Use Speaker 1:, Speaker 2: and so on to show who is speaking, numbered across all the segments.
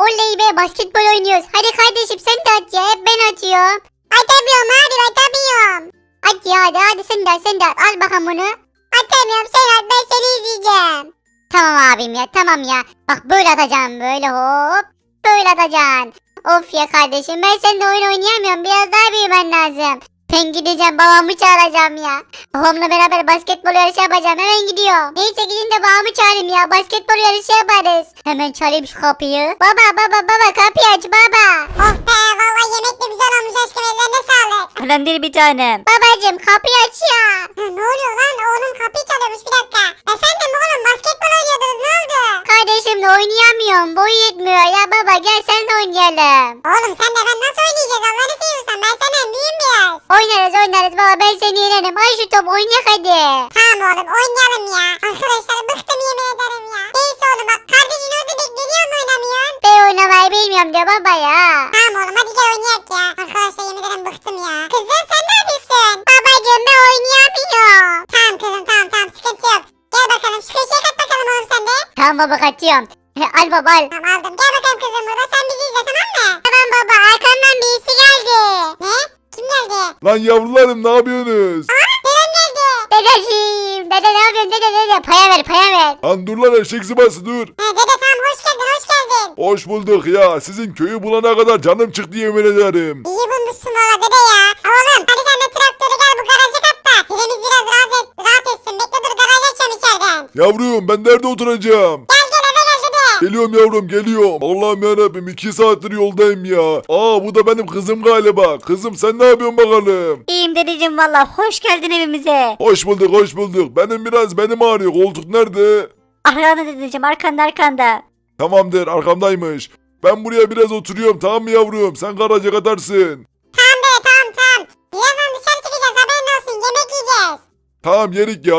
Speaker 1: Oley be, basketbol oynuyoruz. Hadi kardeşim sen de at ya. Hep ben atıyorum. Atamıyorum abi, atamıyorum. At ya, hadi sen de at. Al bakalım bunu. Atamıyorum, sen at, ben seni izleyeceğim. Tamam abim ya, tamam ya. Bak böyle atacağım, böyle hop. Böyle atacaksın. Of ya kardeşim, ben seninle oyun oynayamıyorum. Biraz daha büyümen lazım. Ben gideceğim, babamı çağıracağım ya. Babamla beraber basketbol yarışı yapacağım. Hemen gidiyorum. Neyse gidin de babamı çağırayım ya. Basketbol yarışı yaparız. Hemen çalayım şu kapıyı. Baba kapıyı aç baba.
Speaker 2: Oh be vallahi yemek de güzel olmuş aşkım, ellerine sağlık.
Speaker 3: Önemli bir tanem.
Speaker 1: Babacım kapıyı aç ya.
Speaker 2: Ne oluyor lan, oğlum kapıyı çalıyormuş, bir dakika. Efendim oğlum, basketbol oynuyordunuz, ne oldu?
Speaker 1: Kardeşimle oynayamıyorum. Boyu yetmiyor ya baba, gel sen de oynayalım.
Speaker 2: Oğlum sen de ben nasıl oynayacağız, Allah'ını seviyorsan ben senden büyüğüm biraz.
Speaker 1: Oynarız baba, ben seni yenerim. Ay şu top oynayak hadi.
Speaker 2: Tamam oğlum oynayalım ya. Arkadaşlar bıktım yemin ederim ya. Neyse oğlum bak, kardeşin orada bekliyor mu, oynamıyorsun?
Speaker 1: Ben oynamayı bilmiyorum diyor baba ya.
Speaker 2: Tamam oğlum hadi gel oynayak ya. Arkadaşlar yemin ederim bıktım ya. Kızım sen ne yapıyorsun?
Speaker 1: Babacım ben oynayamıyorum.
Speaker 2: Tamam kızım tamam sıkıntı yok. Gel bakalım şu köşeye kat bakalım oğlum sen de.
Speaker 1: Tamam baba, kaçıyorum. Al baba al.
Speaker 2: Tamam aldım, gel bakalım kızım burada, sen bizi izle tamam mı?
Speaker 1: Tamam baba, arkamdan birisi geldi.
Speaker 2: Ne? Kim geldi?
Speaker 4: Lan yavrularım ne yapıyorsunuz?
Speaker 2: Dedem geldi.
Speaker 1: Dedeciğim. Dede ne yapıyorsun dede? Paya ver.
Speaker 4: Lan dur lan eşek sıpası dur.
Speaker 2: Dede tamam hoş geldin.
Speaker 4: Hoş bulduk ya. Sizin köyü bulana kadar canım çıktı yemin ederim.
Speaker 2: İyi bulmuşsun valla dede ya. Oğlum hadi sen de traktörü gel bu garaja kat da. Dedemiz biraz rahat etsin. Bekle dur, garaj açıyorum içeriden.
Speaker 4: Yavrum ben nerede oturacağım?
Speaker 2: Gel eve gel dede.
Speaker 4: Geliyorum yavrum geliyorum. Allah'ım yarabbim 2 saattir yoldayım ya. Aa bu da benim kızım galiba. Kızım sen ne yapıyorsun bakalım?
Speaker 3: İyiyim dedeciğim valla. Hoş geldin evimize.
Speaker 4: Hoş bulduk. Benim ağrıyor. Koltuk nerede?
Speaker 3: Arkanda dedeciğim, arkanda.
Speaker 4: Tamamdır arkamdaymış. Ben buraya biraz oturuyorum tamam mı yavrum? Sen garaja katarsın.
Speaker 2: Tamam dede tamam. Birazdan dışarı çıkacağız, haberin olsun, yemek yiyeceğiz.
Speaker 4: Tamam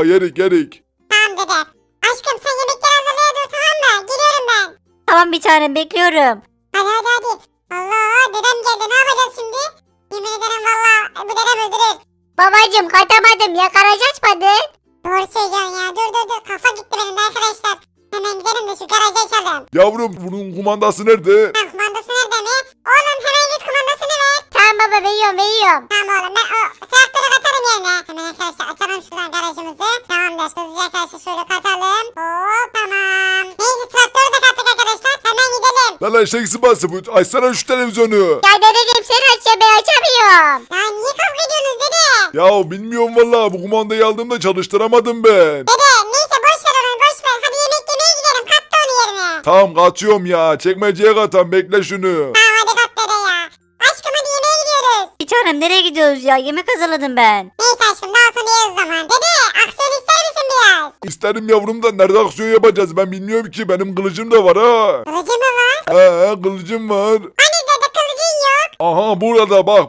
Speaker 4: yerik.
Speaker 2: Tamam dede. Aşkım sen yemekleri hazırlaya dur tamam mı? Geliyorum ben.
Speaker 3: Tamam bir tanem, bekliyorum.
Speaker 2: Hadi. Allah dedem geldi, ne yapacağız şimdi? Yemin ederim valla bu dedem öldürür.
Speaker 1: Babacım katamadım ya, garaj açmadın.
Speaker 2: Doğru söylüyorsun ya. Dur. Kafa gitti benim de arkadaşlar. Hemen gidelim de şu garajı açalım.
Speaker 4: Yavrum bunun kumandası nerede?
Speaker 2: Tamam kumandası nerede mi? Oğlum hemen git kumandasını ver.
Speaker 1: Tamam baba, veriyorum.
Speaker 2: Tamam oğlum ben o traktörü katarım yerine. Hemen arkadaşlar açalım şuradan garajımızı. Tamamdır hızlıca arkadaşlar şöyle katalım. Hop tamam. Neyse traktörü de kattık arkadaşlar. Hemen gidelim.
Speaker 4: Lan eşek sıpası bu. Açsana şu televizyonu.
Speaker 1: Ya dedeciğim sen aç ya, ben açamıyorum.
Speaker 2: Ya niye kavga ediyorsunuz dede?
Speaker 4: Ya bilmiyorum vallahi bu kumandayı aldığımda çalıştıramadım ben.
Speaker 2: Dede neyse boş ver onu boş ver. Hadi yemek yemeye gidelim. Kat da onu yerine.
Speaker 4: Tamam katıyorum ya. Çekmeceye katam bekle şunu.
Speaker 2: Tamam hadi kat dede ya. Aşkım hadi yemeğe gidiyoruz.
Speaker 3: Bir tanem nereye gidiyoruz ya? Yemek hazırladım ben.
Speaker 2: Neyse aşkım daha sonra yeriz o zaman. Dede aksiyon ister misin biraz?
Speaker 4: İsterim yavrum da nerede aksiyon yapacağız ben bilmiyorum ki. Benim kılıcım da var ha.
Speaker 2: Kılıcı mı var?
Speaker 4: Kılıcım var.
Speaker 2: Hani dede kılıcın yok?
Speaker 4: Aha burada bak.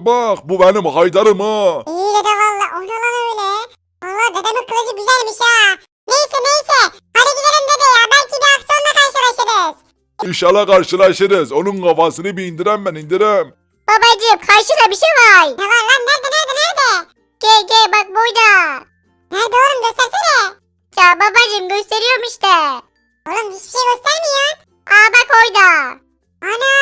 Speaker 4: Bu benim haydarım ha.
Speaker 2: İyi dede valla. O ne lan öyle? Valla dedemin kılıcı güzelmiş ha. Neyse. Hadi gidelim dede ya. Belki bir aksiyonla karşılaşırız.
Speaker 4: İnşallah karşılaşırız. Onun kafasını bir indirem.
Speaker 1: Babacım karşıda bir şey var.
Speaker 2: Ne var lan? Nerede?
Speaker 1: Gel bak burada.
Speaker 2: Nerede oğlum, göstersene.
Speaker 1: Ya babacım gösteriyorum işte.
Speaker 2: Oğlum hiçbir şey göstermiyor.
Speaker 1: Aa bak orada.
Speaker 2: Ana.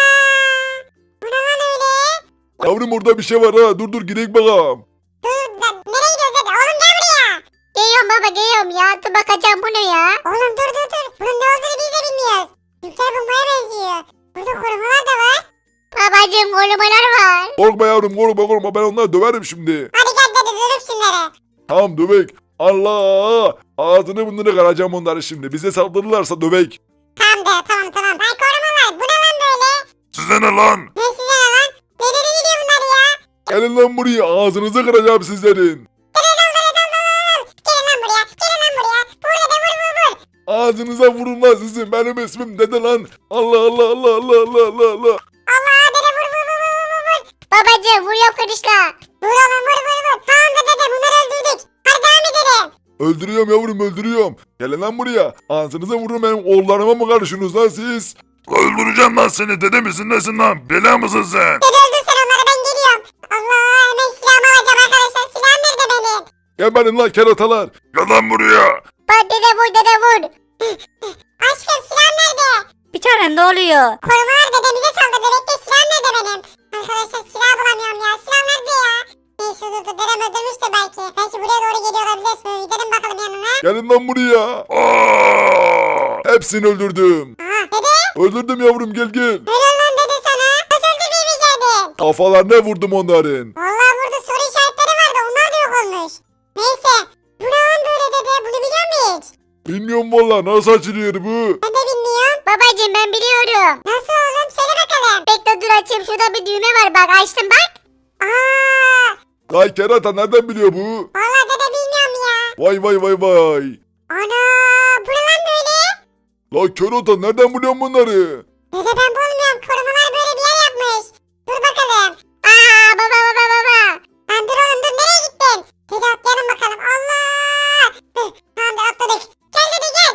Speaker 2: Bu ne lan öyle?
Speaker 4: Yavrum orada bir şey var ha. Dur gidelim bakalım.
Speaker 2: Nereye gidiyoruz dede? Oğlum gel buraya.
Speaker 1: Geliyorum baba, geliyorum ya. Dur bakacağım, bu ne ya?
Speaker 2: Oğlum dur. Bunun ne olduğunu biz de bilmiyoruz. Türkler bulmaya benziyor. Burada korumalar da var.
Speaker 1: Babacım korumalar var.
Speaker 4: Korkma yavrum korkma. Ben onları döverim şimdi.
Speaker 2: Hadi gel dede dövüp şunları.
Speaker 4: Tamam dövek. Allah. Ağzını bunları kıracağım onları şimdi. Bize saldırırlarsa dövek.
Speaker 2: Tamam dede tamam. Ay korumalar bu ne lan böyle?
Speaker 4: Size ne lan?
Speaker 2: Ne size ne lan? Nereye gidiyor bunlar ya?
Speaker 4: Gelin lan buraya. Ağzınızı kıracağım sizlerin.
Speaker 2: Gelin lan buraya. Vur dede vur.
Speaker 4: Ağzınıza vurun lan sizin. Benim ismim dede lan. Allah.
Speaker 2: Allah dede vur.
Speaker 1: Babacım vuruyorum kırışla.
Speaker 2: Vur oğlum vur. Tamam da dede bunları öldürdük. Hadi devam edelim.
Speaker 4: Öldürüyorum yavrum öldürüyorum. Gelin lan buraya. Ağzınıza vurun benim oğullarıma mı karışıyorsunuz lan siz? Öldüreceğim lan seni. Dede misin nesin lan? Bela mısın sen?
Speaker 2: Dede öldür sen onları, ben geliyorum. Allah hemen silahımı alacağım arkadaşlar. Silahım nerede benim?
Speaker 4: Geberin lan keratalar. Gel lan buraya.
Speaker 1: Bak dede vur.
Speaker 2: Aşkım silahım nerede?
Speaker 3: Bir tanem ne oluyor?
Speaker 2: Korumalar dedemize saldırdı. Bekle, silah nerede benim? Arkadaşlar silah bulamıyorum ya. Silah nerede ya? Neyse dur, dedem öldürmüş de belki. Belki buraya doğru geliyor olabilir. Şöyle gidelim bakalım yanına.
Speaker 4: Gelin lan buraya. Hepsini öldürdüm.
Speaker 2: Aha dede.
Speaker 4: Öldürdüm yavrum, gel gel.
Speaker 2: Helal lan dede sana. Nasıl öldürmeyecektin?
Speaker 4: Kafalarına vurdum onların.
Speaker 2: Vallahi burada soru işaretleri vardı. Onlar da yok olmuş. Neyse. Bu ne lan böyle dede? Bunu biliyor musun hiç?
Speaker 4: Bilmiyorum valla, nasıl açılıyor bu?
Speaker 2: Ben de bilmiyorum.
Speaker 1: Babacım ben biliyorum.
Speaker 2: Nasıl oğlum? Söyle bakalım.
Speaker 1: Bekle dur açayım, şurada bir düğme var bak, açtım bak.
Speaker 2: Aa,
Speaker 4: Vay kerata, nereden biliyor bu?
Speaker 2: vallahi dede bilmiyorum ya.
Speaker 4: Vay vay vay vay.
Speaker 2: Ana, bu ne lan böyle?
Speaker 4: La kerata, nereden biliyorsun bunları?
Speaker 2: Dede ben bulmuyorum. Korumalar böyle bir yer yapmış. Dur bakalım.
Speaker 1: Aa baba baba baba.
Speaker 2: Lan dur oğlum dur, nereye gittin? Dede atlayalım bakalım. Allah. Tamamdır, atladık. Gel dede gel.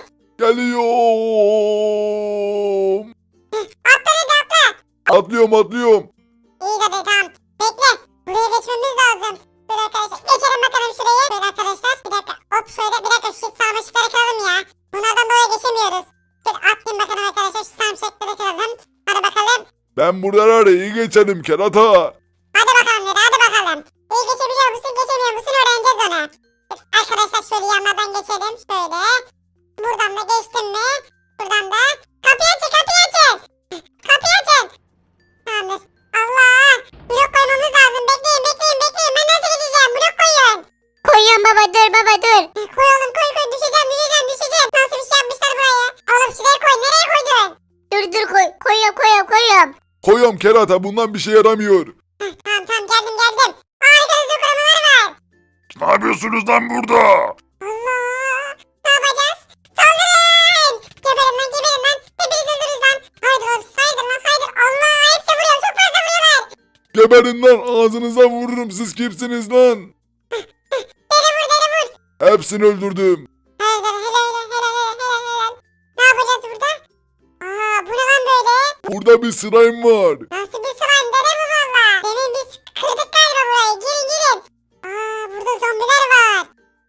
Speaker 4: Geliyorum.
Speaker 2: Atla dede atla.
Speaker 4: Atlıyorum atlıyorum.
Speaker 2: İyi dede tamam. Bekle. Buraya geçmemiz lazım. Dur arkadaşlar. Geçelim bakalım şuraya. Şöyle arkadaşlar. Bir dakika. Hop şöyle. Bir dakika. Şu sarmaşıkları kıralım ya. Bunlardan dolayı geçemiyoruz. Dur atlayayım bakalım arkadaşlar. Şu sarmaşıkları kıralım. Hadi bakalım.
Speaker 4: Ben buraları iyi geçerim kerata.
Speaker 2: Hadi bakalım dede. Hadi bakalım. İyi geçebiliyor musun? Geçemiyor musun? Öğreneceğiz onu. Dur, arkadaşlar şöyle yanlardan geçelim. Şöyle. Buradan da geçtim mi? Buradan da. Kapıyı açın. Kapıyı açın. Kapıyı açın. Tamamdır. Allah. Blok koymamız lazım. Bekleyin bekleyin bekleyin. Ben nasıl gideceğim? Blok koyun.
Speaker 1: Koyuyorum baba, dur baba dur.
Speaker 2: Koy oğlum koy koy. Düşeceğim düşeceğim düşeceğim. Nasıl bir şey yapmışlar buraya? Oğlum şuraya koy. Nereye koydun?
Speaker 1: Dur koyuyorum.
Speaker 4: Koyuyorum kerata, bundan bir şey yaramıyor.
Speaker 2: Tamam tamam geldim geldim. Arkanızda korumalar var.
Speaker 4: Ne yapıyorsunuz lan burada?
Speaker 2: Allah. Ne yapacağız? Saldırın. Geberin lan geberin lan. Hepiniz öldürürüz lan. Haydi oğlum haydi lan haydi. Allah hepsi vuruyor. Çok fazla vuruyorlar.
Speaker 4: Geberin lan, ağzınıza vururum, siz kimsiniz lan?
Speaker 2: Dere vur dere vur.
Speaker 4: Hepsini öldürdüm.
Speaker 2: Helal helal helal helal helal. Ne yapacağız burada? Aa bu ne lan böyle?
Speaker 4: Burada bir slime var.
Speaker 2: Nasıl bir slime dere mi valla? Demin biz kırdık galiba burayı. Girin girin. Aa burada zombiler var.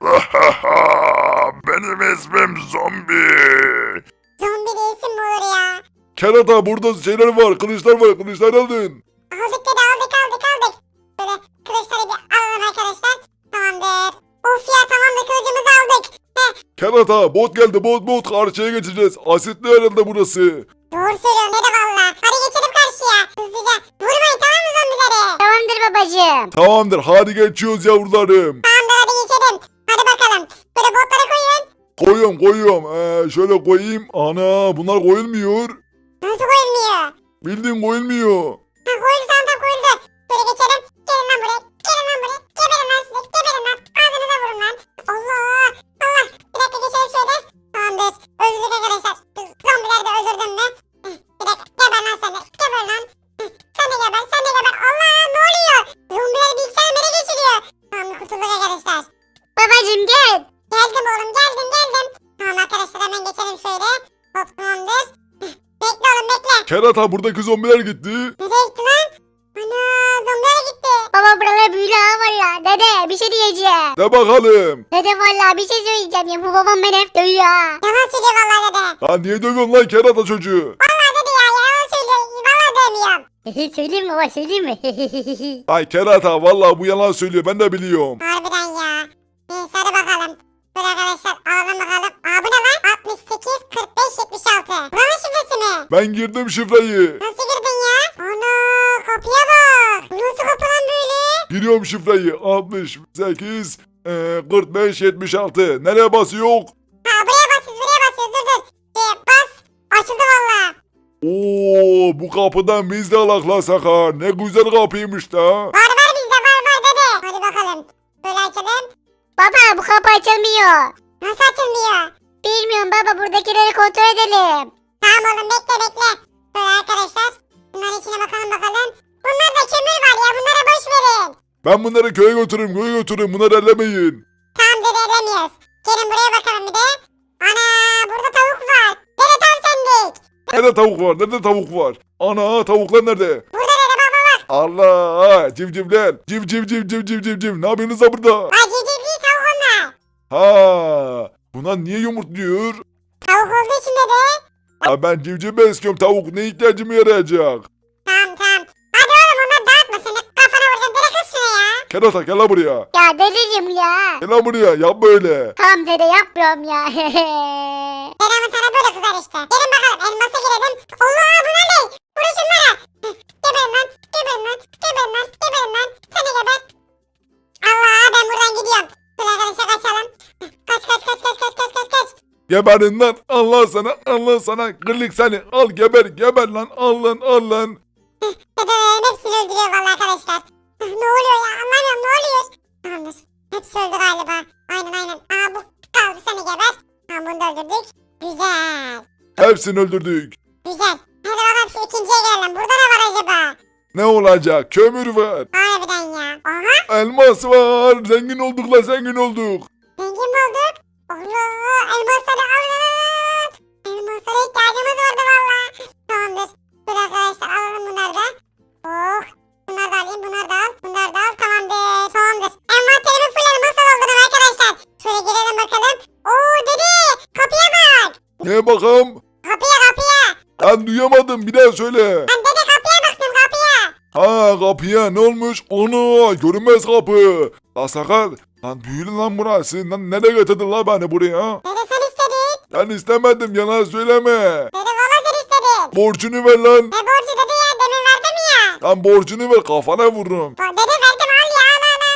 Speaker 4: Benim ismim Zombi.
Speaker 2: Zombi değilsin bu olur ya.
Speaker 4: Kerata, burada şeyler var, kılıçlar var, kılıçlar aldın.
Speaker 2: Aldık dede aldık. Böyle kılıçları bir alalım arkadaşlar. Tamamdır. Of ya tamamdır kılıcımızı aldık. Heh,
Speaker 4: Kerata, bot geldi, bot karşıya geçeceğiz. Asitli herhalde burası.
Speaker 2: doğru söylüyorsun dede valla. Hadi geçelim karşıya. Hızlıca. Vurmayın tamam mı zombileri?
Speaker 1: Tamamdır babacım.
Speaker 4: Tamamdır, hadi geçiyoruz yavrularım.
Speaker 2: Tamamdır hadi geçelim. Hadi bakalım. Böyle botları koyun.
Speaker 4: Koyuyorum. Şöyle koyayım. Ana, bunlar koyulmuyor.
Speaker 2: Nasıl koyulmuyor?
Speaker 4: Bildiğin koyulmuyor.
Speaker 2: Ha koyuldu tamam koyuldu. Böyle geçelim. Gelin lan buraya. Gelin lan buraya. Geberin lan size. Geberin lan. Ağzınıza vurun lan. Allah. Allah. Bir dakika geçelim şöyle. Tamamdır. Öldürdük arkadaşlar. Zombileri de öldürdüm mü? Bir dakika. Geber lan sen de. Geber lan. Sen de geber. Sen de geber. Allah ne oluyor? Zombiler bilgisayarı nereye geçiriyor? Tamam kurtulduk arkadaşlar.
Speaker 1: Babacım gel.
Speaker 2: Geldim oğlum geldim. Tamam arkadaşlar hemen geçelim şöyle. Hop tamamdır. Bekle oğlum bekle.
Speaker 4: Kerata, buradaki zombiler gitti.
Speaker 2: Nereye gitti lan? Ana zombiler gitti.
Speaker 1: Baba buralar büyülü ha valla. Dede bir şey diyeceğim.
Speaker 4: De bakalım.
Speaker 1: Dede valla bir şey söyleyeceğim ya. Bu babam beni hep dövüyor ha.
Speaker 2: Yalan söylüyor vallahi dede.
Speaker 4: Lan niye dövüyorsun lan kerata çocuğu?
Speaker 2: Vallahi dede ya yalan söylüyor. Vallahi dövmüyorum.
Speaker 1: Söyleyeyim mi baba, söyleyeyim mi?
Speaker 4: Ay kerata, vallahi bu yalan söylüyor, ben de biliyorum.
Speaker 2: Harbiden ya. Neyse hadi bakalım. Böyle arkadaşlar alalım bakalım. Aa bu ne lan? 68 45 76. Buranın şifresi mi?
Speaker 4: Ben girdim şifreyi.
Speaker 2: Nasıl girdin ya? Ana kapıya bak. Bu nasıl kapı lan böyle?
Speaker 4: Giriyorum şifreyi. 68 45 76. Nereye basıyor?
Speaker 2: Ha buraya basıyoruz dur. Bas. Açıldı valla.
Speaker 4: Oo, bu kapıdan biz de alak la Sakar. Ne güzel kapıymış da.
Speaker 2: Var bizde var dede. Hadi bakalım. Böyle açalım.
Speaker 1: Baba bu kapı açılmıyor.
Speaker 2: Nasıl açılmıyor?
Speaker 1: Bilmiyorum baba, buradakileri kontrol edelim.
Speaker 2: Tamam oğlum bekle. Böyle arkadaşlar. Bunların içine bakalım. Bunlarda kömür var ya bunlara boş verin.
Speaker 4: Ben bunları köye götürürüm. Bunları ellemeyin.
Speaker 2: Tamam dede elemiyoruz. Gelin buraya bakalım bir de. Ana burada tavuk var. Dede tam sendik.
Speaker 4: Nerede tavuk var? Ana, tavuklar nerede?
Speaker 2: Burada dede bak.
Speaker 4: Allah, civcivler. Civ. Ne yapıyorsunuz da burada?
Speaker 2: Ha civciv değil tavuk onlar.
Speaker 4: Ha, bunlar niye yumurtluyor?
Speaker 2: Tavuk olduğu için dede.
Speaker 4: Ya ben civciv besliyorum tavuk ne ihtiyacıma yarayacak?
Speaker 2: Tamam tamam. Hadi oğlum onları dağıtma seni. Kafana vuracağım. Direkt kız şuna ya.
Speaker 4: Kerata gel lan buraya.
Speaker 1: Ya dedeciğim ya.
Speaker 4: Gel lan buraya yap böyle.
Speaker 1: Tamam dede yapmıyorum ya.
Speaker 2: Dedem'in sana böyle kızar işte. Gelin bakalım elmasa girelim. Allah bunlar ne? Vurun şunlara. Geberin lan. Geberin lan. Geberin lan. Geberin lan. Seni geber. Allah ben buradan gidiyorum. Şöyle arkadaşlar kaçalım. Kaç kaç kaç kaç kaç kaç kaç kaç.
Speaker 4: Geberin lan Allah sana gırlık seni al geber lan al lan.
Speaker 2: Dedelerin hepsini öldürüyor vallahi arkadaşlar. Ne oluyor ya anlamıyorum ne oluyor. Tamamdır. Hepsi öldü galiba. Aynen. Aa bu kaldı seni geber. Tamam bunu da öldürdük. Güzel.
Speaker 4: Hepsini öldürdük.
Speaker 2: Güzel. Hadi bakalım şu ikinciye gelelim. Burada ne var acaba?
Speaker 4: Ne olacak kömür var.
Speaker 2: Harbiden ya. Aha.
Speaker 4: Elmas var zengin olduk la zengin olduk.
Speaker 2: Zengin mi olduk? Allah. Elmasları alın. Elmaslara ihtiyacımız vardı valla. Tamamdır. Dur arkadaşlar alalım bunları da. Oh. Bunları da alayım. Bunları da al. Bunları da al. Tamamdır. Tamamdır. Envanterimi full elmas aldım arkadaşlar. Şöyle girelim bakalım. Oo dedi. Kapıya bak.
Speaker 4: Neye bakalım?
Speaker 2: Kapıya.
Speaker 4: Ben duyamadım bir daha söyle.
Speaker 2: Ben dede kapıya baktım kapıya.
Speaker 4: Ha kapıya ne olmuş? Onu görünmez kapı. La sakar. Lan büyülü lan burası. Lan nereye getirdin la beni buraya?
Speaker 2: Dede sen istedin.
Speaker 4: Ben istemedim yalan söyleme.
Speaker 2: Dede valla sen istedin.
Speaker 4: Borcunu ver lan.
Speaker 2: Ne borcu dede ya demin verdim ya.
Speaker 4: Lan borcunu ver kafana vururum.
Speaker 2: Dede verdim al ya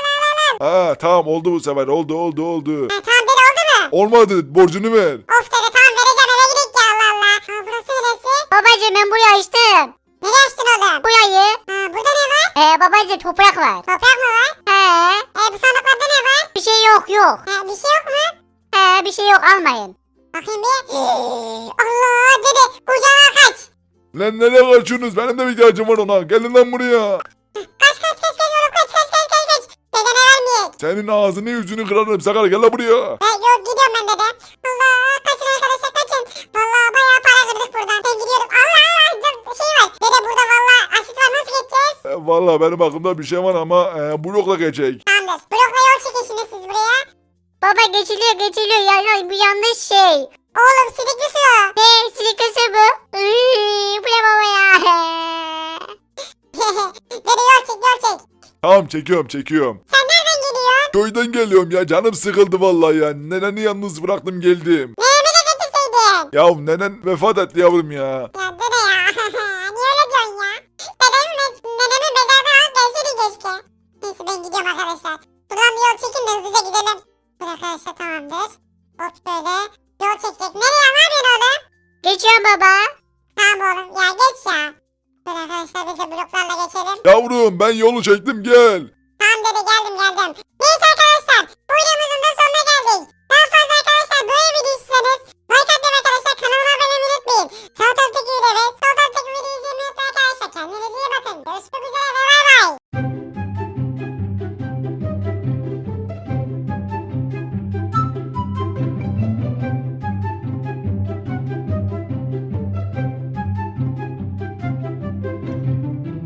Speaker 2: al.
Speaker 4: Ha tamam oldu bu sefer oldu.
Speaker 2: Ha, tamam dede oldu mu?
Speaker 4: Olmadı borcunu ver.
Speaker 2: Of dede tamam vereceğim eve gidelim ya Allah Allah. Ha burası neresi?
Speaker 1: Babacığım ben burayı açtım.
Speaker 2: Nereye açtın oğlum?
Speaker 1: Burayı.
Speaker 2: Ha burada ne var?
Speaker 1: Babacığım toprak var.
Speaker 2: Toprak mı var?
Speaker 1: He.
Speaker 2: Bu sandıklarda ne var?
Speaker 1: Bir şey yok.
Speaker 2: Bir şey yok mu?
Speaker 1: Bir şey yok almayın.
Speaker 2: Bakayım bir. Allah dede kucağına kaç.
Speaker 4: Lan nereye kaçıyorsunuz? Benim de bir ihtiyacım var ona. Gelin lan buraya.
Speaker 2: Kaç oğlum kaç. Dede ne vermeyecek?
Speaker 4: Senin ağzını yüzünü kırarım Sakar gel lan buraya.
Speaker 2: Yok gidiyorum ben dede. Allah kaçın arkadaşlar kaçın. Vallahi bayağı para kırdık buradan. Ben gidiyorum. Allah şey var. Dede burada vallahi asit var nasıl geçeceğiz?
Speaker 4: Vallahi benim aklımda bir şey var ama blokla geçecek.
Speaker 2: Tamamdır. Blokla yol çekin şimdi siz buraya.
Speaker 1: Baba geçiliyor. Ya, bu yanlış şey.
Speaker 2: Oğlum sidikli su.
Speaker 1: Ne silikası bu? Bu ne baba ya?
Speaker 2: Dede yol çek.
Speaker 4: Tamam çekiyorum.
Speaker 2: Sen nereden geliyorsun?
Speaker 4: Köyden geliyorum ya canım sıkıldı vallahi ya. Neneni yalnız bıraktım geldim.
Speaker 2: Nenemi de getirseydin.
Speaker 4: Ya nenen vefat etti yavrum ya.
Speaker 2: Ya dede ya. Niye öyle diyorsun ya? Nenemi mezardan alıp gelseydi keşke. Neyse ben gidiyorum arkadaşlar. Buradan bir yol çekin de hızlıca gidelim. Dur arkadaşlar tamamdır. Hop böyle. Yol çekecek. Nereye ne yapıyorsun oğlum?
Speaker 1: Geçiyorum baba.
Speaker 2: Tamam oğlum ya geç ya. Dur arkadaşlar biz de bloklarla geçelim.
Speaker 4: Yavrum ben yolu çektim gel.
Speaker 2: Tamam dede geldim. Neyse arkadaşlar bu videomuzun da sonuna geldik. Daha fazla arkadaşlar böyle video istiyorsanız like atmayı arkadaşlar kanalıma abone olmayı unutmayın. Sağ taraftaki videoyu ve sol taraftaki videoyu izlemeyi unutmayın arkadaşlar. Kendinize iyi bakın. Görüşmek üzere.